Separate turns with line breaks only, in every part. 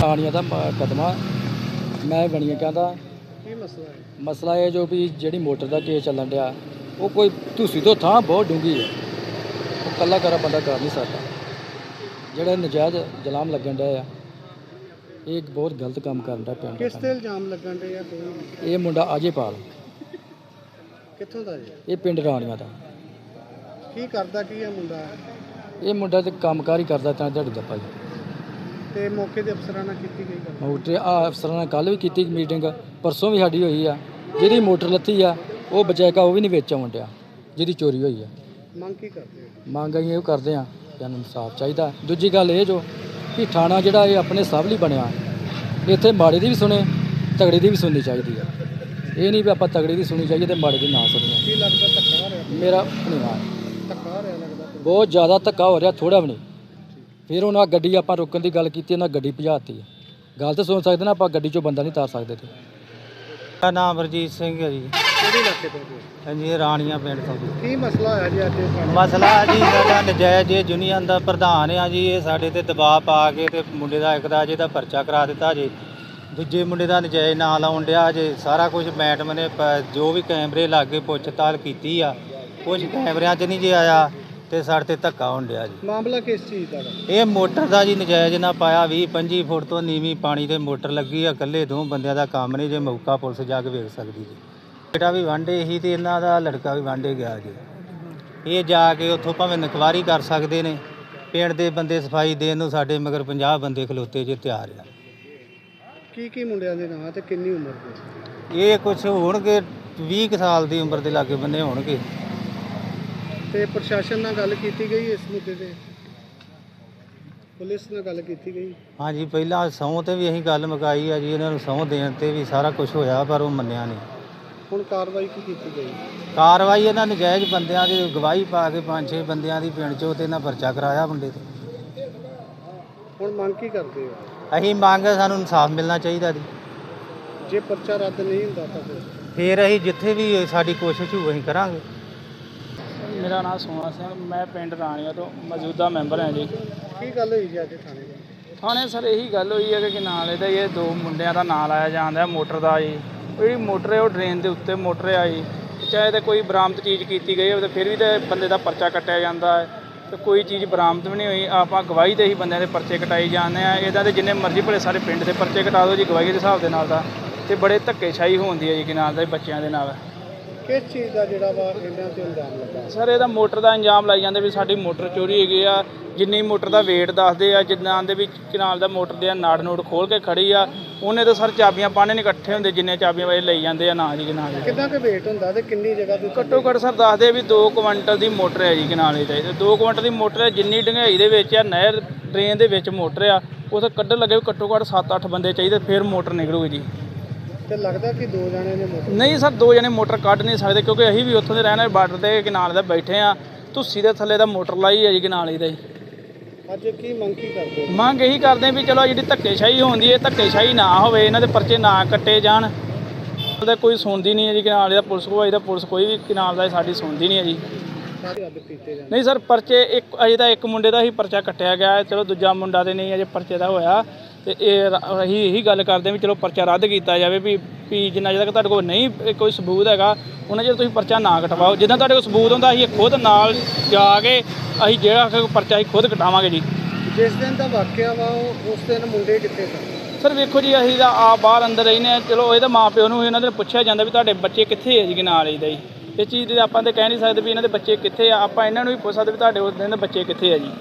ਰਾਣੀਆਂ ਦਾ ਮੁਕੱਦਮਾ मैं बनिया कहता
ਕੀ ਮਸਲਾ ਹੈ?
मसला ये जो भी जी मोटर का केस चलन डया वो कोई तुसी तो थां बहुत डूंगी है वो कला करा बंदा कर नहीं सकता ਜਿਹੜਾ ਨਜਾਇਜ਼ ਜਲਾਮ ਲੱਗਣ ਡਿਆ ਆ ਇਹ ਇੱਕ ਬਹੁਤ ਗਲਤ ਕੰਮ ਕਰਨ ਦਾ ਪਿੰਡ
ਕਿਸ ਤੇ ਇਲਜ਼ਾਮ ਲੱਗਣ ਦੇ ਆ ਕੋਈ?
ਇਹ ਮੁੰਡਾ ਅਜੇਪਾਲ
ਕਿੱਥੋਂ ਦਾ ਜੀ?
ਇਹ ਪਿੰਡ ਰਾਣੀਆਂ ਦਾ
ਕੀ ਕਰਦਾ ਕੀ ਆ ਮੁੰਡਾ?
ਇਹ ਮੁੰਡਾ ਤੇ ਕੰਮਕਾਰ ਹੀ ਕਰਦਾ ਤਾਂ ਦਿਹਾੜੀ ਦਾ ਭਾਈ
ਤੇ ਮੌਕੇ ਦੇ ਅਫਸਰਾਂ ਨਾਲ ਕੀਤੀ ਗਈ ਗੱਲ?
ਮੋਟਰ ਆ ਅਫਸਰਾਂ ਨਾਲ ਕੱਲ੍ਹ ਵੀ ਕੀਤੀ ਮੀਟਿੰਗ ਪਰਸੋਂ ਵੀ ਸਾਡੀ ਹੋਈ ਆ ਜਿਹਦੀ ਮੋਟਰ ਲੱਥੀ ਆ ਉਹ ਬਚਾਇਕਾ ਉਹ ਵੀ ਨਹੀਂ ਵਿੱਚ ਆਉਣ ਡਿਆ ਜਿਹਦੀ ਚੋਰੀ ਹੋਈ ਆ।
ਮੰਗ ਕੀ ਕਰਦੇ ਹੋ?
ਮੰਗ ਅਸੀਂ ਇਹ ਕਰਦੇ ਆ ਕਿ ਸਾਨੂੰ ਇਨਸਾਫ ਚਾਹੀਦਾ। ਦੂਜੀ ਗੱਲ ਇਹ ਜੋ ਕਿ ਥਾਣਾ ਜਿਹੜਾ ਇਹ ਆਪਣੇ ਸਭ ਲਈ ਬਣਿਆ ਇੱਥੇ ਮਾੜੇ ਦੀ ਵੀ ਸੁਣੇ ਤਗੜੇ ਦੀ ਵੀ ਸੁਣਨੀ ਚਾਹੀਦੀ ਆ। ਇਹ ਨਹੀਂ ਵੀ ਆਪਾਂ ਤਗੜੇ ਦੀ ਸੁਣੀ ਚਾਹੀਏ ਤੇ ਮਾੜੇ ਦੀ ਨਾ ਸੁਣੀਏ।
ਕੀ ਲੱਗਦਾ ਧੱਕਾ ਹੋ ਰਿਹਾ?
ਮੇਰਾ ਨਹੀਂ ਆ
ਧੱਕਾ ਹੋ ਰਿਹਾ ਲੱਗਦਾ?
ਬਹੁਤ ਜ਼ਿਆਦਾ ਧੱਕਾ ਹੋ ਰਿਹਾ ਥੋੜ੍ਹਾ ਵੀ ਨਹੀਂ। ਫਿਰ ਉਹਨਾਂ ਗੱਡੀ ਆਪਾਂ ਰੋਕਣ ਦੀ ਗੱਲ ਕੀਤੀ ਉਹਨਾਂ ਗੱਡੀ ਭਜਾਤੀ ਹੈ। ਗੱਲ ਤਾਂ ਸੁਣ ਸਕਦੇ ਨਾ ਆਪਾਂ ਗੱਡੀ 'ਚੋਂ ਬੰਦਾ ਨਹੀਂ ਤਾਰ ਸਕਦੇ ਤੇ।
ਮੇਰਾ ਨਾਮ ਰਜੀਤ ਸਿੰਘ ਹੈ ਜੀ।
ਕਿਹੜੇ ਇਲਾਕੇ ਤੋਂ ਜੀ?
ਹਾਂਜੀ ਰਾਣੀਆਂ ਪਿੰਡ ਤੋਂ ਜੀ।
ਕੀ ਮਸਲਾ ਹੋਇਆ ਜੀ ਅੱਜ ਇਹ ਥਾਣੇ?
ਮਸਲਾ ਜੀ ਸਾਡਾ ਨਜਾਇਜ਼ ਇਹ ਯੂਨੀਅਨ ਦਾ ਪ੍ਰਧਾਨ ਆ ਜੀ। ਇਹ ਸਾਡੇ ਤੇ ਦਬਾਅ ਪਾ ਕੇ ਤੇ ਮੁੰਡੇ ਦਾ ਇੱਕ ਦਾ ਜਿਹਦਾ ਪਰਚਾ ਕਰਾ ਦਿੱਤਾ ਜੀ। ਦੂਜੇ ਮੁੰਡੇ ਦਾ ਨਜਾਇਜ਼ ਨਾਂ ਲਾਉਣ ਡਿਆ ਜੇ। ਸਾਰਾ ਕੁਝ ਮੈਡਮ ਨੇ ਜੋ ਵੀ ਕੈਮਰੇ ਲਾਗੇ ਪੁੱਛ ਤਾਲ ਕੀਤੀ ਆ ਕੁਝ ਕੈਮਰਿਆਂ 'ਚ ਨਹੀਂ ਜੇ ਆਇਆ ਤੇ ਸਾਡੇ ਤੇ ਧੱਕਾ ਹੋਣ ਡਿਆ ਜੀ।
ਮਾਮਲਾ ਕਿਸ ਚੀਜ਼ ਦਾ ਵਾ?
ਇਹ ਮੋਟਰ ਦਾ ਜੀ ਨਜਾਇਜ਼ ਨਾ ਪਾਇਆ 20-25 ਫੁੱਟ ਤੋਂ ਨੀਵੀਂ ਪਾਣੀ ਤੇ ਮੋਟਰ ਲੱਗੀ ਆ। ਇਕੱਲੇ ਦੋ ਬੰਦਿਆਂ ਦਾ ਕੰਮ ਨਹੀਂ ਜੇ ਮੌਕਾ ਪੁਲਿਸ ਜਾ ਕੇ ਵੇਖ ਸਕਦੀ ਜੀ। ਬੇਟਾ ਵੀ ਵਾਂਢੇ ਸੀ ਤੇ ਇਹਨਾਂ ਦਾ ਲੜਕਾ ਵੀ ਵਾਂਢੇ ਗਿਆ ਜੀ। ਇਹ ਜਾ ਕੇ ਉੱਥੋਂ ਭਾਵੇਂ ਇਨਕੁਆਇਰੀ ਕਰ ਸਕਦੇ ਨੇ। ਪਿੰਡ ਦੇ ਬੰਦੇ ਸਫਾਈ ਦੇਣ ਨੂੰ ਸਾਡੇ ਮਗਰ 50 ਬੰਦੇ ਖਲੋਤੇ ਜੇ ਤਿਆਰ ਆ।
ਕੀ ਮੁੰਡਿਆਂ ਦੇ ਨਾਂ ਤੇ ਕਿੰਨੀ ਉਮਰ ਦੇ?
ਇਹ ਕੁਛ ਹੋਣਗੇ 20 ਕੁ ਸਾਲ ਦੀ ਉਮਰ ਦੇ ਲਾਗੇ ਬੰਦੇ ਹੋਣਗੇ।
ਤੇ ਪ੍ਰਸ਼ਾਸਨ ਨਾਲ ਗੱਲ ਕੀਤੀ ਗਈ ਇਸ ਮੁੱਦੇ ਤੇ? ਪੁਲਿਸ ਨਾਲ ਗੱਲ ਕੀਤੀ ਗਈ?
ਹਾਂਜੀ ਪਹਿਲਾਂ ਸਹੁੰ ਤੇ ਵੀ ਅਸੀਂ ਗੱਲ ਮੁਕਾਈ ਆ ਜੀ। ਇਹਨਾਂ ਨੂੰ ਸਹੁੰ ਦੇਣ ਤੇ ਵੀ ਸਾਰਾ ਕੁਝ ਹੋਇਆ ਪਰ ਉਹ ਮੰਨਿਆ ਨਹੀਂ।
ਹੁਣ ਕਾਰਵਾਈ ਕੀ ਕੀਤੀ ਗਈ?
ਕਾਰਵਾਈ ਇਹਨਾਂ ਨਜਾਇਜ਼ ਬੰਦਿਆਂ ਦੀ ਗਵਾਹੀ ਪਾ ਕੇ 5-6 ਬੰਦਿਆਂ ਦੀ ਪਿੰਡ 'ਚੋਂ ਤੇ ਇਹਨਾਂ ਪਰਚਾ ਕਰਾਇਆ ਮੁੰਡੇ ਤੇ।
ਹੁਣ ਮੰਗ ਕੀ ਕਰਦੇ ਹੋ?
ਅਸੀਂ ਮੰਗ ਸਾਨੂੰ ਇਨਸਾਫ ਮਿਲਣਾ ਚਾਹੀਦਾ ਜੀ।
ਜੇ ਪਰਚਾ ਰੱਦ ਨਹੀਂ ਹੁੰਦਾ ਤਾਂ
ਫਿਰ ਅਸੀਂ ਜਿੱਥੇ ਵੀ ਸਾਡੀ ਕੋਸ਼ਿਸ਼ ਹੋਊ ਅਸੀਂ ਕਰਾਂਗੇ।
ਮੇਰਾ ਨਾਮ ਸੋਹਣਾ ਸਿੰਘ, ਮੈਂ ਪਿੰਡ ਰਾਣੀਆਂ ਤੋਂ ਮੌਜੂਦਾ ਮੈਂਬਰ ਹਾਂ ਜੀ।
ਕੀ ਗੱਲ ਹੋਈ ਜੀ ਅੱਜ ਥਾਣੇ ਦੇ?
ਥਾਣੇ ਸਰ ਇਹੀ ਗੱਲ ਹੋਈ ਹੈ ਕਿ ਨਾਲ ਇਹਦਾ ਇਹ ਦੋ ਮੁੰਡਿਆਂ ਦਾ ਨਾਂ ਲਾਇਆ ਜਾਂਦਾ ਮੋਟਰ ਦਾ ਜੀ। ਉਹ ਜਿਹੜੀ ਮੋਟਰ ਹੈ ਉਹ ਡਰੇਨ ਦੇ ਉੱਤੇ ਮੋਟਰ ਆ ਜੀ। ਚਾਹੇ ਤਾਂ ਕੋਈ ਬਰਾਮਦ ਚੀਜ਼ ਕੀਤੀ ਗਈ ਹੋਵੇ ਤਾਂ ਫਿਰ ਵੀ ਤਾਂ ਬੰਦੇ ਦਾ ਪਰਚਾ ਕੱਟਿਆ ਜਾਂਦਾ ਹੈ ਤੇ ਕੋਈ ਚੀਜ਼ ਬਰਾਮਦ ਵੀ ਨਹੀਂ ਹੋਈ। ਆਪਾਂ ਗਵਾਹੀ 'ਤੇ ਹੀ ਬੰਦਿਆਂ ਦੇ ਪਰਚੇ ਕਟਾਈ ਜਾਂਦੇ ਆ। ਇਹਦਾ ਤਾਂ ਜਿੰਨੇ ਮਰਜ਼ੀ ਭਲੇ ਸਾਰੇ ਪਿੰਡ ਦੇ ਪਰਚੇ ਕਟਾ ਦਿਓ ਜੀ ਗਵਾਹੀ ਦੇ ਹਿਸਾਬ ਦੇ ਨਾਲ ਦਾ। ਤੇ ਬੜੇ ਧੱਕੇਸ਼ਾਹੀ ਹੁੰਦੀ ਹੈ ਜੀ ਕਿ ਨਾਲ ਦਾ ਬੱਚਿਆਂ ਦੇ ਨਾਲ।
ਕਿਸ ਚੀਜ਼ ਦਾ ਜਿਹੜਾ ਵਾ ਇਹਨਾਂ ਤੇ ਇਲਜ਼ਾਮ ਲੱਗਾ?
ਸਰ ਇਹਦਾ ਮੋਟਰ ਦਾ ਇੰਜਾਮ ਲਾਈ ਜਾਂਦੇ ਵੀ ਸਾਡੀ ਮੋਟਰ ਚੋਰੀ ਹੈਗੀ ਆ। ਜਿੰਨੀ ਮੋਟਰ ਦਾ ਵੇਟ ਦੱਸਦੇ ਆ ਜਿੱਦਾਂ ਦੇ ਵਿੱਚ ਕਿਨਾਲ ਦਾ ਮੋਟਰ ਦੇ ਨਾੜ ਨੂੜ ਖੋਲ ਕੇ ਖੜੀ ਆ ਉਹਨੇ ਤਾਂ ਸਰ ਚਾਬੀਆਂ ਪਾਣੇ ਨਹੀਂ ਇਕੱਠੇ ਹੁੰਦੇ ਜਿੰਨੇ ਚਾਬੀਆਂ ਵਾਲੇ ਲਈ ਜਾਂਦੇ ਆ ਨਾ ਜੀ ਕਿਨਾਲ।
ਕਿੰਨਾ ਕੁ ਵੇਟ ਹੁੰਦਾ ਤੇ ਕਿੰਨੀ ਜਗ੍ਹਾ ਤੇ?
ਘੱਟੋ ਘੱਟ ਸਰ ਦੱਸਦੇ ਵੀ 2 ਕੁਇੰਟਲ ਦੀ ਮੋਟਰ ਹੈ ਜੀ ਕਿਨਾਲੇ ਤੇ। 2 ਕੁਇੰਟਲ ਦੀ ਮੋਟਰ ਹੈ। ਜਿੰਨੀ ਡੰਗਾਈ ਦੇ ਵਿੱਚ ਆ ਨਹਿਰ ਡਰੇਨ ਦੇ ਵਿੱਚ ਮੋਟਰ ਆ ਉਹ ਤਾਂ ਕੱਢਣ ਲੱਗੇ ਘੱਟੋ ਘੱਟ 7-8 ਬੰਦੇ ਚਾਹੀਦੇ ਫਿਰ ਮੋਟਰ ਨਿਕਲੂਗੀ ਜੀ।
ਤੇ ਲੱਗਦਾ ਕਿ 2 ਜਣੇ ਨੇ ਮੋਟਰ?
ਨਹੀਂ ਸਰ 2 ਜਣੇ ਮੋਟਰ ਕੱਢ ਨਹੀਂ ਸਕਦੇ ਕਿਉਂਕਿ ਅਸੀਂ ਵੀ ਉੱਥੋਂ ਦੇ ਰਹਿਣ ਵਾਲੇ ਬਾਰਡਰ ਦੇ ਕਿਨਾਰੇ ਦੇ ਬੈਠੇ ਆ। ਧੁੱਸੀ ਦੇ ਥੱਲੇ ਦਾ ਮੋਟਰ ਲਾਈ ਹੈ ਜੀ ਕਿਨਾਲੇ ਦਾ ਜੀ।
ਅੱਜ ਕੀ ਮੰਗ ਕੀ ਕਰਦੇ ਹੋ?
ਮੰਗ ਇਹੀ ਕਰਦੇ ਵੀ ਚਲੋ ਜਿਹੜੀ ਧੱਕੇਸ਼ਾਹੀ ਹੁੰਦੀ ਹੈ ਧੱਕੇਸ਼ਾਹੀ ਨਾ ਹੋਵੇ। ਇਹਨਾਂ ਦੇ ਪਰਚੇ ਨਾ ਕੱਟੇ ਜਾਣ। ਉਹਦਾ ਕੋਈ ਸੁਣਦੀ ਨਹੀਂ ਹੈ ਜੀ ਕਿਨਾਲੇ ਦਾ। ਪੁਲਿਸ ਕੋਈ ਦਾ ਪੁਲਿਸ ਕੋਈ ਵੀ ਕਿਨਾਲ ਦਾ ਸਾਡੀ ਸੁਣਦੀ ਨਹੀਂ ਹੈ ਜੀ।
ਸਾਰੇ ਰੱਦ ਕੀਤੇ ਜਾਂਦੇ?
ਨਹੀਂ ਸਰ ਪਰਚੇ ਅਜੇ ਤਾਂ ਇੱਕ ਮੁੰਡੇ ਦਾ ਹੀ ਪਰਚਾ ਕੱਟਿਆ ਗਿਆ। ਚਲੋ ਦੂਜਾ ਮੁੰਡਾ ਤੇ ਨਹੀਂ ਅਜੇ ਪਰਚੇ ਦਾ ਹੋਇਆ। ਤੇ ਅਸੀਂ ਇਹੀ ਗੱਲ ਕਰਦੇ ਵੀ ਚਲੋ ਪਰਚਾ ਰੱਦ ਕੀਤਾ ਜਾਵੇ ਵੀ ਜਿੰਨਾ ਚਿਰ ਤੱਕ ਤੁਹਾਡੇ ਕੋਲ ਨਹੀਂ ਕੋਈ ਸਬੂਤ ਹੈਗਾ ਉਹਨਾਂ ਚਿਰ ਤੁਸੀਂ ਪਰਚਾ ਨਾ ਕਟਵਾਓ। ਜਿੱਦਾਂ ਤੁਹਾਡੇ ਕੋਲ ਸਬੂਤ ਹੁੰਦਾ ਅਸੀਂ ਖੁਦ ਨਾਲ ਜਾ ਕੇ ਅਸੀਂ ਜਿਹੜਾ ਪਰਚਾ ਅਸੀਂ ਖੁਦ ਕਟਾਵਾਂਗੇ ਜੀ।
ਜਿਸ ਦਿਨ ਦਾ ਵਾਕਿਆ ਵਾ ਉਸ ਦਿਨ ਮੁੰਡੇ ਕਿੱਥੇ ਸਨ?
ਸਰ ਵੇਖੋ ਜੀ ਅਸੀਂ ਤਾਂ ਆਪ ਬਾਹਰ ਅੰਦਰ ਰਹਿੰਦੇ ਹਾਂ। ਚਲੋ ਇਹਦਾ ਮਾਂ ਪਿਓ ਨੂੰ ਇਹਨਾਂ ਦੇ ਪੁੱਛਿਆ ਜਾਂਦਾ ਵੀ ਤੁਹਾਡੇ ਬੱਚੇ ਕਿੱਥੇ ਹੈ ਜੀ ਨਾਲ ਇਹਦਾ ਜੀ। ਇਹ ਚੀਜ਼ ਦੇ ਆਪਾਂ ਤਾਂ ਕਹਿ ਨਹੀਂ ਸਕਦੇ ਵੀ ਇਹਨਾਂ ਦੇ ਬੱਚੇ ਕਿੱਥੇ ਆ। ਆਪਾਂ ਇਹਨਾਂ ਨੂੰ ਵੀ ਪੁੱਛ ਸਕਦੇ ਵੀ ਤੁਹਾਡੇ ਉਸ ਦਿਨ ਦੇ ਬੱਚੇ ਕਿੱਥੇ ਆ ਜੀ।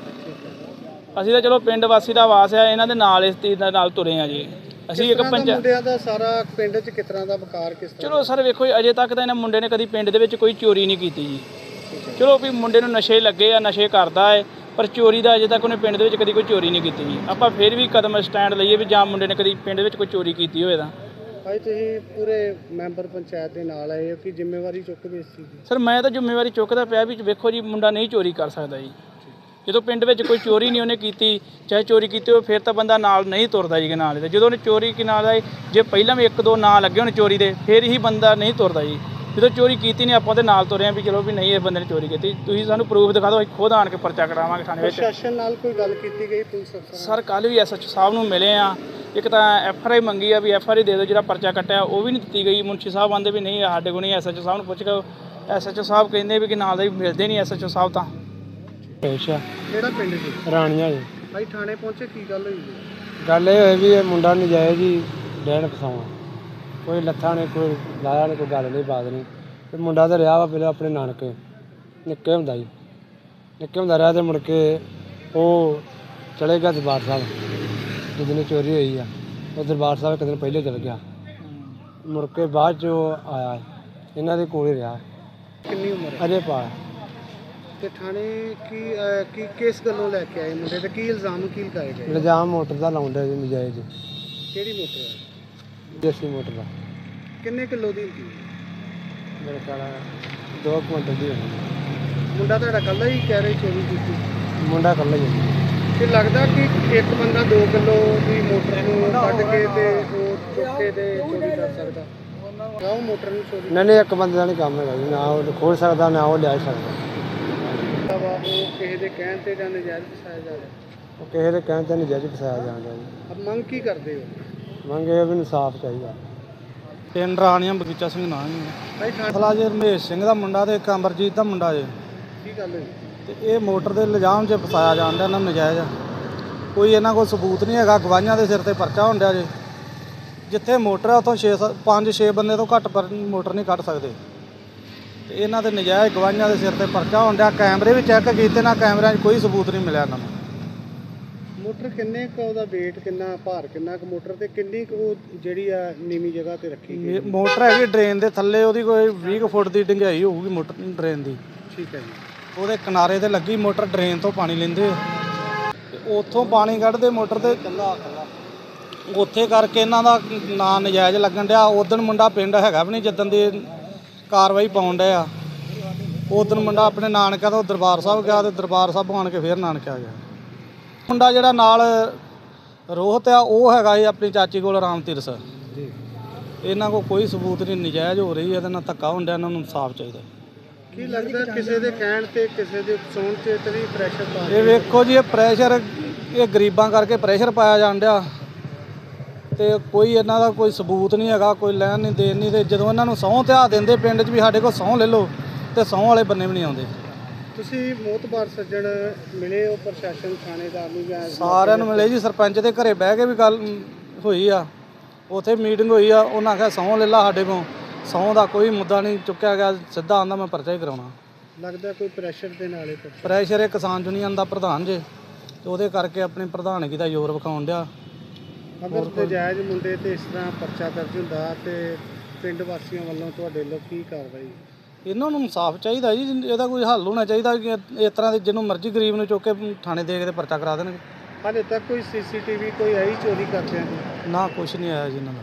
ਅਸੀਂ ਤਾਂ ਚਲੋ ਪਿੰਡ ਵਾਸੀ ਦਾ ਆਵਾਸ ਆ ਇਹਨਾਂ ਦੇ ਨਾਲ ਇਸ ਚੀਜ਼ ਦੇ ਨਾਲ ਤੁਰੇ ਆ ਜੀ। ਅਸੀਂ ਇੱਕ
ਮੁੰਡਿਆਂ ਦਾ ਸਾਰਾ ਪਿੰਡ 'ਚ ਕਿਸ ਤਰ੍ਹਾਂ ਦਾ ਵਕਾਰ ਕਿਸ ਤਰ੍ਹਾਂ?
ਚਲੋ ਸਰ ਵੇਖੋ ਅਜੇ ਤੱਕ ਤਾਂ ਇਹਨਾਂ ਮੁੰਡੇ ਨੇ ਕਦੀ ਪਿੰਡ ਦੇ ਵਿੱਚ ਕੋਈ ਚੋਰੀ ਨਹੀਂ ਕੀਤੀ ਜੀ। ਚਲੋ ਵੀ ਮੁੰਡੇ ਨੂੰ ਨਸ਼ੇ ਲੱਗੇ ਆ ਨਸ਼ੇ ਕਰਦਾ ਹੈ ਪਰ ਚੋਰੀ ਦਾ ਅਜੇ ਤੱਕ ਉਹਨੇ ਪਿੰਡ ਦੇ ਵਿੱਚ ਕਦੀ ਕੋਈ ਚੋਰੀ ਨਹੀਂ ਕੀਤੀ ਜੀ। ਆਪਾਂ ਫਿਰ ਵੀ ਕਦਮ ਸਟੈਂਡ ਲਈਏ ਵੀ ਜਾਂ ਮੁੰਡੇ ਨੇ ਕਦੀ ਪਿੰਡ ਵਿੱਚ ਕੋਈ ਚੋਰੀ ਕੀਤੀ ਹੋਵੇ ਤਾਂ।
ਭਾਈ ਤੁਸੀਂ ਪੂਰੇ ਮੈਂਬਰ ਪੰਚਾਇਤ ਦੇ ਨਾਲ ਆਏ ਹੋ ਕਿ ਜ਼ਿੰਮੇਵਾਰੀ ਚੁੱਕਦੇ ਇਸ ਚੀਜ਼ ਦੀ?
ਸਰ ਮੈਂ ਤਾਂ ਜ਼ਿੰਮੇਵਾਰੀ ਚੁੱਕਦਾ ਪਿਆ ਵੀ ਵੇਖੋ ਜੀ ਮੁੰਡਾ ਨਹੀਂ ਚੋਰੀ ਕਰ ਸਕਦਾ ਜੀ। ਜਦੋਂ ਪਿੰਡ ਵਿੱਚ ਕੋਈ ਚੋਰੀ ਨਹੀਂ ਉਹਨੇ ਕੀਤੀ ਚਾਹੇ ਚੋਰੀ ਕੀਤੀ ਹੋਵੇ ਫਿਰ ਤਾਂ ਬੰਦਾ ਨਾਲ ਨਹੀਂ ਤੁਰਦਾ ਜੀ ਨਾਲ ਦੇ। ਜਦੋਂ ਉਹਨੇ ਚੋਰੀ ਨਾਲ ਆਏ ਜੇ ਪਹਿਲਾਂ ਵੀ 1-2 ਨਾਂ ਲੱਗੇ ਹੋਣ ਚੋਰੀ ਦੇ ਫਿਰ ਹੀ ਬੰਦਾ ਨਹੀਂ ਤੁਰਦਾ ਜੀ। ਜਦੋਂ ਚੋਰੀ ਕੀਤੀ ਨਹੀਂ ਆਪਾਂ ਉਹਦੇ ਨਾਲ ਤੁਰੇ ਹਾਂ ਵੀ ਚਲੋ ਵੀ ਨਹੀਂ ਇਹ ਬੰਦੇ ਨੇ ਚੋਰੀ ਕੀਤੀ, ਤੁਸੀਂ ਸਾਨੂੰ ਪ੍ਰੂਫ ਦਿਖਾ ਦਿਓ, ਅਸੀਂ ਖੁਦ ਆਣ ਕੇ ਪਰਚਾ ਕਰਾਵਾਂਗੇ ਥਾਣੇ ਵਿੱਚ।
ਪ੍ਰਸ਼ਾਸਨ ਨਾਲ ਕੋਈ ਗੱਲ ਕੀਤੀ ਗਈ ਪੁਲਿਸ ਅਫਸਰਾਂ
ਸਰ ਕੱਲ੍ਹ ਵੀ ਐਸਐਚਓ ਸਾਹਿਬ ਨੂੰ ਮਿਲੇ ਆ, ਇੱਕ ਤਾਂ ਐਫਆਰਆਈ ਮੰਗੀ ਆ ਵੀ ਐਫਆਰਆਈ ਦੇ ਦਿਓ, ਜਿਹੜਾ ਪਰਚਾ ਕੱਟਿਆ ਉਹ ਵੀ ਨਹੀਂ ਦਿੱਤੀ ਗਈ। ਮੁਨਸ਼ੀ ਸਾਹਿਬ ਆਂਦੇ ਵੀ ਨਹੀਂ ਸਾਡੇ ਕੋਲ ਨਹੀਂ, ਐਸਐਚਓ ਸਾਹਿਬ ਨੂੰ ਪੁੱਛ ਕੇ ਐਸਐਚਓ ਸਾਹਿਬ ਕਹਿੰਦੇ ਵੀ ਕਿ ਨਾਲ ਦੇ ਮਿਲਦੇ ਨਹੀਂ ਐਸਐਚਓ ਸਾਹਿਬ ਤਾਂ।
ਅੱਛਾ,
ਕਿਹੜਾ ਪਿੰਡ ਜੀ?
ਰਾਣੀਆਂ ਜੀ।
ਭਾਈ ਥਾਣੇ ਪਹੁੰਚੇ, ਕੀ ਗੱਲ ਹੋਈ ਜੀ?
ਗੱਲ ਇਹ ਹੋਈ ਵੀ ਇਹ ਮੁੰਡਾ ਨਜਾਇਜ਼ ਹੀ ਡੈਣ ਫਸਾਉਣਾ, ਕੋਈ ਲੱਥਾ ਨਹੀਂ, ਕੋਈ ਲਾਇਆ ਨਹੀਂ, ਕੋਈ ਗੱਲ ਨਹੀਂ, ਬਾਤ ਨਹੀਂ। ਤੇ ਮੁੰਡਾ ਤਾਂ ਰਿਹਾ ਵਾ ਪਹਿਲਾਂ ਆਪਣੇ ਨਾਨਕੇ, ਨਿੱਕੇ ਹੁੰਦਾ ਜੀ, ਨਿੱਕੇ ਹੁੰਦਾ ਰਿਹਾ। ਤੇ ਮੁੜ ਕੇ ਉਹ ਚਲੇ ਗਿਆ ਦਰਬਾਰ ਸਾਹਿਬ, ਜਿੱਦਣ ਚੋਰੀ ਹੋਈ ਆ ਉਹ ਦਰਬਾਰ ਸਾਹਿਬ ਇੱਕ ਦਿਨ ਪਹਿਲੇ ਚਲ ਗਿਆ। ਮੁੜ ਕੇ ਬਾਅਦ 'ਚ ਉਹ ਆਇਆ, ਇਹਨਾਂ ਦੇ ਕੋਲ ਹੀ ਰਿਹਾ,
ਕਿੰਨੀ ਉਮਰ ਹੈ?
ਅਜੇ ਪਾ।
ਤੇ ਥਾਣੇ ਕੀ ਕਿਸ ਗੱਲੋਂ ਲੈ ਕੇ ਆਏ ਮੁੰਡੇ ਤੇ, ਕੀ ਇਲਜ਼ਾਮ ਕੀ ਲਗਾਏ ਗਏ?
ਇਲਜ਼ਾਮ ਮੋਟਰ ਦਾ ਲਾਉਂਦਾ ਜੀ ਨਜਾਇਜ਼,
ਕਿਹੜੀ ਮੋਟਰ ਹੈ?
ਦੇਸੀ ਮੋਟਰ ਦਾ।
ਕਿੰਨੇ ਕਿਲੋ ਦੀ ਹੁੰਦੀ?
ਮੇਰੇ ਖਿਆਲ 2 ਕੁਇੰਟਲ ਦੀ ਹੋਣੀ।
ਮੁੰਡਾ ਤੁਹਾਡਾ ਕੱਲਾ ਹੀ ਕਹਿ ਰਿਹਾ ਚੋਰੀ ਕੀਤੀ?
ਮੁੰਡਾ ਇਕੱਲਾ ਹੀ ਹੈ।
ਤੇ ਲੱਗਦਾ ਕਿ ਇੱਕ ਬੰਦਾ 2 ਕਿਲੋ ਦੀ ਮੋਟਰ ਨੂੰ ਕੱਢ ਕੇ ਤੇ ਉਹ ਚੁੱਕ ਕੇ ਤੇ ਚੋਰੀ ਕਰ ਸਕਦਾ? ਉਹ ਮੋਟਰ ਨੂੰ ਚੋਰੀ
ਨਹੀਂ, ਇੱਕ ਬੰਦੇ ਦਾ ਨਹੀਂ ਕੰਮ ਹੈਗਾ ਜੀ, ਨਾ ਉਹ ਖੋਲ ਸਕਦਾ ਨਾ ਉਹ ਲਿਆ ਸਕਦਾ।
ਵਾ, ਉਹ ਕਿਸੇ ਦੇ ਕਹਿਣ ਤੇ ਜਾਂ ਨਜਾਇਜ਼ ਫਸਾਇਆ ਜਾ ਰਿਹਾ?
ਉਹ ਕਿਸੇ ਦੇ ਕਹਿਣ ਤੇ ਨਜਾਇਜ਼ ਫਸਾਇਆ ਜਾਂਦਾ ਜੀ।
ਅਬ ਮੰਗ ਕੀ ਕਰਦੇ ਹੋ?
ਮੰਗੇ ਵੀ ਇਨਸਾਫ ਚਾਹੀਦਾ।
ਪਿੰਡ ਰਾਣੀਆਂ, ਬਗੀਚਾ ਸਿੰਘ ਨਾਂ ਜੀ।
ਭਾਈ
ਮਸਲਾ ਜੇ ਰਮੇਸ਼ ਸਿੰਘ ਦਾ ਮੁੰਡਾ ਤੇ ਇੱਕ ਅਮਰਜੀਤ ਦਾ ਮੁੰਡਾ ਜੇ,
ਕੀ ਗੱਲ ਹੋਈ?
ਤੇ ਇਹ ਮੋਟਰ ਦੇ ਇਲਜ਼ਾਮ 'ਚ ਫਸਾਇਆ ਜਾਂਦਾ ਇਹਨਾਂ ਨੂੰ ਨਜਾਇਜ਼। ਕੋਈ ਇਹਨਾਂ ਕੋਲ ਸਬੂਤ ਨਹੀਂ ਹੈਗਾ, ਗਵਾਹੀਆਂ ਦੇ ਸਿਰ ਤੇ ਪਰਚਾ ਹੁੰਦਾ ਜੇ। ਜਿੱਥੇ ਮੋਟਰ ਹੈ ਉੱਥੋਂ 5-6 ਬੰਦੇ ਤੋਂ ਘੱਟ ਮੋਟਰ ਨਹੀਂ ਕੱਢ ਸਕਦੇ, ਤੇ ਇਹਨਾਂ ਦੇ ਨਜਾਇਜ਼ ਗਵਾਹੀਆਂ ਦੇ ਸਿਰ ਤੇ ਪਰਚਾ ਹੁੰਦਾ। ਕੈਮਰੇ ਵੀ ਚੈੱਕ ਕੀਤੇ ਨਾ, ਕੈਮਰਿਆਂ 'ਚ ਕੋਈ ਸਬੂਤ ਨਹੀਂ ਮਿਲਿਆ ਇਹਨਾਂ ਨੂੰ।
ਮੋਟਰ ਕਿੰਨੇ ਕੁ, ਉਹਦਾ weight ਕਿੰਨਾ, ਭਾਰ ਕਿੰਨਾ ਕੁ ਮੋਟਰ, ਤੇ ਕਿੰਨੀ ਕੁ ਉਹ ਜਿਹੜੀ ਆ ਨੀਵੀਂ ਜਗ੍ਹਾ ਤੇ ਰੱਖੀ ਗਈ?
ਮੋਟਰ ਹੈਗੀ ਡਰੇਨ ਦੇ ਥੱਲੇ, ਉਹਦੀ ਕੋਈ 20 ਕੁ ਫੁੱਟ ਦੀ ਡੂੰਘਾਈ ਹੋਊਗੀ ਮੋਟਰ ਡਰੇਨ ਦੀ।
ਠੀਕ ਹੈ ਜੀ।
ਉਹਦੇ ਕਿਨਾਰੇ ਤੇ ਲੱਗੀ ਮੋਟਰ, ਡਰੇਨ ਤੋਂ ਪਾਣੀ ਲੈਂਦੇ ਤੇ ਉੱਥੋਂ ਪਾਣੀ ਕੱਢਦੇ ਮੋਟਰ ਤੇ ਉੱਥੇ ਕਰਕੇ ਇਹਨਾਂ ਦਾ ਨਾਂ ਨਜਾਇਜ਼ ਲੱਗਣ ਡਿਆ। ਉਦਣ ਮੁੰਡਾ ਪਿੰਡ ਹੈਗਾ ਵੀ ਨਹੀਂ, ਜਿੱਦਣ ਦੀ ਕਾਰਵਾਈ ਪਾਉਣ ਡਿਆ ਉਦਣ ਮੁੰਡਾ ਆਪਣੇ ਨਾਨਕਿਆਂ ਤੋਂ ਦਰਬਾਰ ਸਾਹਿਬ ਗਿਆ, ਤੇ ਦਰਬਾਰ ਸਾਹਿਬ ਆਣ ਕੇ ਫਿਰ ਨਾਨਕੇ ਆ ਗਿਆ। ਮੁੰਡਾ ਜਿਹੜਾ ਨਾਲ ਰੋਹਤ ਆ ਉਹ ਹੈਗਾ ਸੀ ਆਪਣੀ ਚਾਚੀ ਕੋਲ, ਰਾਮ ਤਿਰਸ। ਇਹਨਾਂ ਕੋਲ ਕੋਈ ਸਬੂਤ ਨਹੀਂ, ਨਜਾਇਜ਼ ਹੋ ਰਹੀ ਹੈ, ਇਹਦੇ ਨਾਲ ਧੱਕਾ ਹੁੰਦਾ। ਇਹਨਾਂ ਨੂੰ ਇਨਸਾਫ ਚਾਹੀਦਾ।
ਕੀ ਲੱਗਦਾ ਕਿਸੇ ਦੇ ਕਹਿਣ ਤੇ, ਕਿਸੇ ਦੇ ਸੌਣ ਤੇ ਵੀ ਪ੍ਰੈਸ਼ਰ ਪਾ
ਇਹ ਵੇਖੋ ਜੀ, ਇਹ ਪ੍ਰੈਸ਼ਰ, ਇਹ ਗਰੀਬਾਂ ਕਰਕੇ ਪ੍ਰੈਸ਼ਰ ਪਾਇਆ ਜਾਣ ਡਿਆ, ਤੇ ਕੋਈ ਇਹਨਾਂ ਦਾ ਕੋਈ ਸਬੂਤ ਨਹੀਂ ਹੈਗਾ, ਕੋਈ ਲੈਣ ਨਹੀਂ ਦੇਣ ਨਹੀਂ। ਤੇ ਜਦੋਂ ਇਹਨਾਂ ਨੂੰ ਸਹੁੰ ਧਿਆ ਦਿੰਦੇ ਪਿੰਡ 'ਚ ਵੀ ਸਾਡੇ ਕੋਲ ਸਹੁੰ ਲੈ ਲਓ, ਤੇ ਸਹੁੰ ਵਾਲੇ ਬੰਨੇ ਵੀ ਨਹੀਂ ਆਉਂਦੇ।
ਤੁਸੀਂ ਮੋਤਬਾਰ ਸੱਜਣ ਮਿਲੇ ਹੋ ਪ੍ਰਸ਼ਾਸਨ, ਥਾਣੇਦਾਰ ਨੂੰ ਜਾਂ
ਸਾਰਿਆਂ ਨੂੰ ਮਿਲੇ ਜੀ, ਸਰਪੰਚ ਦੇ ਘਰੇ ਬਹਿ ਕੇ ਵੀ ਗੱਲ ਹੋਈ ਆ, ਉੱਥੇ ਮੀਟਿੰਗ ਹੋਈ ਆ। ਉਹਨਾਂ ਆਖਿਆ ਸਹੁੰ ਲੈ ਲਾ ਸਾਡੇ ਕੋਲ, ਸਹੁੰ ਦਾ ਕੋਈ ਮੁੱਦਾ ਨਹੀਂ ਚੁੱਕਿਆ ਗਿਆ, ਸਿੱਧਾ ਆਂਦਾ ਮੈਂ ਪਰਚਾ ਹੀ ਕਰਾਉਣਾ।
ਲੱਗਦਾ ਕੋਈ ਪ੍ਰੈਸ਼ਰ ਦੇ ਨਾਲ ਹੀ
ਪ੍ਰੈਸ਼ਰ ਇਹ ਕਿਸਾਨ ਯੂਨੀਅਨ ਦਾ ਪ੍ਰਧਾਨ ਜੇ, ਤੇ ਉਹਦੇ ਕਰਕੇ ਆਪਣੀ ਪ੍ਰਧਾਨਗੀ ਦਾ ਜ਼ੋਰ ਵਿਖਾਉਣ ਡਿਆ।
ਅਗਰ ਨਜਾਇਜ਼ ਮੁੰਡੇ ਤੇ ਇਸ ਤਰ੍ਹਾਂ ਪਰਚਾ ਦਰਜ ਹੁੰਦਾ ਤੇ ਪਿੰਡ ਵਾਸੀਆਂ ਵੱਲੋਂ ਤੁਹਾਡੇ ਵੱਲੋਂ ਕੀ ਕਾਰਵਾਈ?
ਇਹਨਾਂ ਨੂੰ ਇਨਸਾਫ ਚਾਹੀਦਾ ਜੀ, ਇਹਦਾ ਕੋਈ ਹੱਲ ਹੋਣਾ ਚਾਹੀਦਾ ਕਿ ਇਸ ਤਰ੍ਹਾਂ ਦੇ ਜਿਹਨੂੰ ਮਰਜ਼ੀ ਗਰੀਬ ਨੂੰ ਚੁੱਕ ਕੇ ਥਾਣੇ ਦੇ ਕੇ ਤੇ ਪਰਚਾ ਕਰਾ ਦੇਣਗੇ।
ਹਾਲੇ ਤੱਕ ਕੋਈ ਸੀਸੀਟੀਵੀ ਕੋਈ ਆਈ ਚੋਰੀ ਕਰਦਿਆਂ ਦੀ?
ਨਾ ਕੁਛ ਨਹੀਂ ਆਇਆ ਜੀ ਇਹਨਾਂ ਦਾ।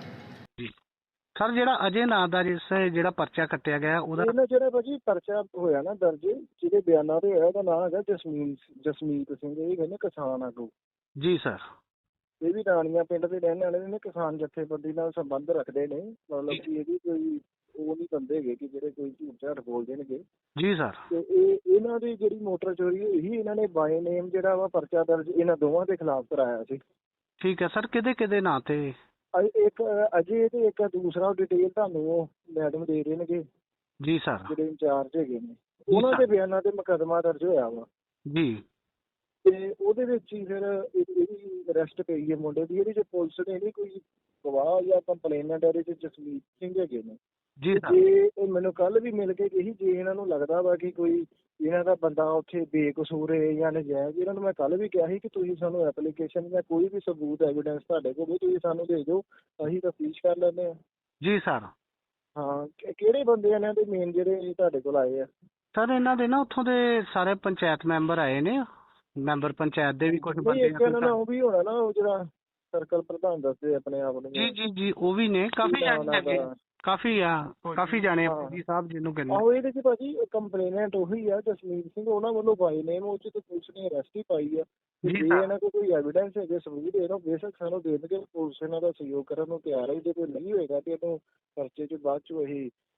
ਸਰ, ਜਿਹੜਾ ਅਜੇ ਨਾਂ ਦਾ ਜਿਹੜਾ ਪਰਚਾ ਕੱਟਿਆ ਗਿਆ ਉਹਦਾ
ਜਿਹੜਾ ਭਾਜੀ ਪਰਚਾ ਹੋਇਆ ਨਾ ਦਰਜ, ਜਿਹਦੇ ਬਿਆਨਾਂ ਤੇ ਹੋਇਆ, ਉਹਦਾ ਨਾਮ ਹੈਗਾ ਜਸਮੀਤ ਸਿੰਘ। ਇਹ ਕਹਿੰਦੇ ਕਿਸਾਨ ਆਗੂ
ਜੀ ਸਰ।
ਇਹ ਵੀ ਰਾਣੀਆਂ ਪਿੰਡ ਦੇ ਰਹਿਣ ਵਾਲੇ ਨੇ, ਕਿਸਾਨ ਜਥੇਬੰਦੀ ਨਾਲ ਸੰਬੰਧ ਰੱਖਦੇ ਨੇ। ਮਤਲਬ ਕਿ ਇਹਦੀ ਕੋਈ ਉਹ ਨਹੀਂ ਬੰਦੇ ਹੈਗੇ ਕਿ ਜਿਹੜੇ ਕੋਈ ਝੂਠ ਝਾਠ ਬੋਲ ਦੇਣਗੇ।
ਜੀ ਸਰ।
ਤੇ ਇਹਨਾਂ ਦੀ ਜਿਹੜੀ ਮੋਟਰ ਚੋਰੀ ਹੋਈ ਸੀ, ਇਹਨਾਂ ਨੇ ਬਾਏ ਨੇਮ ਜਿਹੜਾ ਵਾ ਪਰਚਾ ਦਰਜ ਇਹਨਾਂ ਦੋਵਾਂ ਦੇ ਖਿਲਾਫ ਕਰਾਇਆ ਸੀ।
ਠੀਕ ਹੈ ਸਰ। ਕਿਹਦੇ ਨਾਂ ਤੇ?
ਇੱਕ ਅਜੇ ਤੇ ਇੱਕ ਦੂਸਰਾ ਡਿਟੇਲ ਤੁਹਾਨੂੰ ਉਹ ਮੈਡਮ ਦੇ ਦੇਣਗੇ
ਜੀ ਸਰ,
ਜਿਹੜੇ ਇੰਚਾਰਜ ਹੈਗੇ ਨੇ। ਉਹਨਾਂ ਦੇ ਬਿਆਨਾਂ ਤੇ ਮੁਕੱਦਮਾ ਦਰਜ ਹੋਇਆ ਵਾ
ਜੀ।
ਤੇ ਉਹਦੇ ਵਿੱਚ ਹੀ ਫਿਰ ਇਹਦੀ ਅਰੈਸਟ ਪਈ ਹੈ ਮੁੰਡੇ ਦੀ। ਇਹਦੇ ਚ ਪੁਲਿਸ ਨੇ ਨਹੀਂ ਕੋਈ ਗਵਾਹ ਜਾਂ ਕੰਪਲੇਨੈਂਟ, ਇਹਦੇ ਚ ਜਸਮੀਤ ਸਿੰਘ ਹੈਗੇ ਨੇ
ਜੀ ਸਰ।
ਜੇ ਇਹ ਮੈਨੂੰ ਕੱਲ ਵੀ ਮਿਲ ਕੇ ਗਈ, ਜੇ ਇਹਨਾਂ ਨੂੰ ਲੱਗਦਾ ਵਾ ਕਿ ਕੋਈ ਇਹਨਾਂ ਦਾ ਬੰਦਾ ਉੱਥੇ ਬੇਕਸੂਰ ਹੈ ਜਾਂ ਨਜਾਇਜ਼, ਇਹਨਾਂ ਨੂੰ ਮੈਂ ਕੱਲ ਵੀ ਕਿਹਾ ਸੀ ਕਿ ਤੁਸੀਂ ਸਾਨੂੰ ਐਪਲੀਕੇਸ਼ਨ ਜਾਂ ਕੋਈ ਵੀ ਸਬੂਤ ਐਵੀਡੈਂਸ ਤੁਹਾਡੇ ਕੋਲ ਵੀ ਤੁਸੀਂ ਸਾਨੂੰ ਦੇ ਦਿਓ, ਅਸੀਂ ਤਫਤੀਸ਼ ਕਰ ਲੈਂਦੇ ਹਾਂ।
ਜੀ ਸਰ।
ਹਾਂ, ਕਿਹੜੇ ਬੰਦੇ ਇਹਨਾਂ ਦੇ ਮੇਨ ਜਿਹੜੇ ਤੁਹਾਡੇ ਕੋਲ ਆਏ ਆ?
ਸਰ, ਇਹਨਾਂ ਦੇ ਨਾ ਉੱਥੋਂ ਦੇ ਸਾਰੇ ਪੰਚਾਇਤ ਮੈਂਬਰ ਆਏ ਨੇ, ਮੈਂਬਰ ਪੰਚਾਇਤ ਦੇ ਵੀ ਕੁਝ ਬੰਦੇ।
ਇੱਕ ਇਹਨਾਂ ਦਾ ਉਹ ਵੀ ਹੋਣਾ ਨਾ, ਉਹ ਜਿਹੜਾ ਸਰਕਲ ਪ੍ਰਧਾਨ ਦੱਸਦੇ ਆਪਣੇ ਆਪ ਨੂੰ।
ਜੀ, ਉਹ ਵੀ ਨੇ, ਕਾਫੀ ਜਾਣੇ ਹੈਗੇ, ਕਾਫੀ ਜਾਣੇ ਜੀ ਸਾਹਿਬ ਜਿਹਨੂੰ ਕਹਿੰਦੇ।
ਆਹੋ, ਇਹਦੇ ਚ ਭਾਜੀ ਕੰਪਲੇਨੈਂਟ ਉਹੀ ਆ ਜਸਮੀਤ ਸਿੰਘ, ਉਹਨਾਂ ਵੱਲੋਂ ਬਾਈ ਨੇਮ ਉਹ ਚ ਤੇ ਪੁਲਿਸ ਨੇ ਅਰੈਸਟ ਹੀ ਪਾਈ ਆ। ਜੇ ਇਹਨਾਂ ਕੋਲ ਕੋਈ ਐਵੀਡੈਂਸ ਹੈਗੇ, ਸਬੂਤ ਇਹਨਾਂ ਬੇਸ਼ੱਕ ਸਾਨੂੰ ਦੇ ਦੇਣਗੇ, ਪੁਲਿਸ ਇਹਨਾਂ ਦਾ ਸਹਿਯੋਗ ਕਰਨ ਨੂੰ ਤਿਆਰ ਹੈ। ਜੇ ਕੋਈ ਨਹੀਂ ਹੋਏਗਾ ਤੇ ਇਹਨੂੰ ਪਰਚੇ ਚ ਬਾਅਦ ਚ ਇਹੀ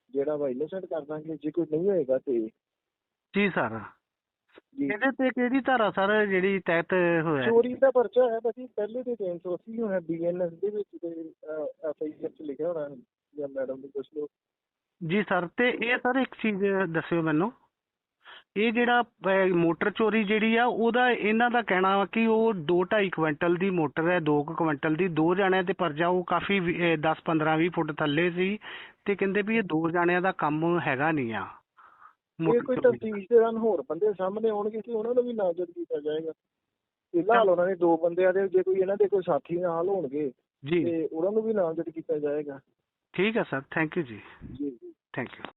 ਜਿਹੜਾ ਵਾ ਇਨੋਸੈਂਟ ਕਰ ਦਾਂਗੇ, ਜੇ ਕੋਈ ਨਹੀਂ ਹੋਏਗਾ ਤੇ
ਜੀ ਸਰ,
ਜੀ।
ਇਹਦੇ ਤੇ ਕਿਹੜੀ ਧਾਰਾ ਸਰ ਜਿਹੜੀ ਤਹਿਤ ਹੋਇਆ?
ਚੋਰੀ ਦਾ ਪਰਚਾ ਹੈ ਭਾਜੀ, ਪਹਿਲੇ ਦੇ 380 ਹੋਣਾ BNS ਦੇ ਵਿੱਚ ਤੇ FIR ਚ ਲਿਖਿਆ ਹੋਣਾ, ਜਾਂ ਮੈਡਮ ਨੂੰ ਪੁੱਛ ਲਓ।
ਜੀ ਸਰ, ਤੇ ਇਹ ਸਰ ਇੱਕ ਚੀਜ਼ ਦੱਸਿਓ ਮੈਨੂੰ, ਇਹ ਜਿਹੜਾ ਮੋਟਰ ਚੋਰੀ ਜਿਹੜੀ ਆ ਉਹਦਾ ਇਹਨਾਂ ਦਾ ਕਹਿਣਾ ਵਾ ਕਿ ਉਹ 2-2.5 ਕੁਇੰਟਲ ਦੀ ਮੋਟਰ ਹੈ, 2 ਕੁਇੰਟਲ ਦੀ, 2 ਜਣਿਆਂ ਤੇ ਪਰਚਾ ਉਹ ਕਾਫੀ 10-15-20 ਫੁੱਟ ਥੱਲੇ ਸੀ, ਤੇ ਕਹਿੰਦੇ ਵੀ ਇਹ 2 ਜਣਿਆਂ ਦਾ ਕੰਮ ਹੈਗਾ ਨਹੀਂ ਆ।
ਇਹ ਕੋਈ ਤਫਤੀਸ਼ ਦੇ ਦੌਰਾਨ ਹੋਰ ਬੰਦੇ ਸਾਹਮਣੇ ਆਉਣਗੇ ਤੇ ਉਹਨਾਂ ਨੂੰ ਵੀ ਨਾਮਜ਼ਦ ਕੀਤਾ ਜਾਏਗਾ। ਫਿਲਹਾਲ ਉਹਨਾਂ ਨੇ 2 ਬੰਦਿਆਂ ਦੇ, ਜੇ ਕੋਈ ਇਹਨਾਂ ਦੇ ਕੋਈ ਸਾਥੀ ਨਾਲ ਹੋਣਗੇ
ਜੀ
ਤੇ ਉਹਨਾਂ ਨੂੰ ਵੀ ਨਾਮਜ਼ਦ ਕੀਤਾ ਜਾਏਗਾ।
ਠੀਕ ਹੈ ਸਰ, ਥੈਂਕ ਯੂ ਜੀ,
ਜੀ।
Thank you.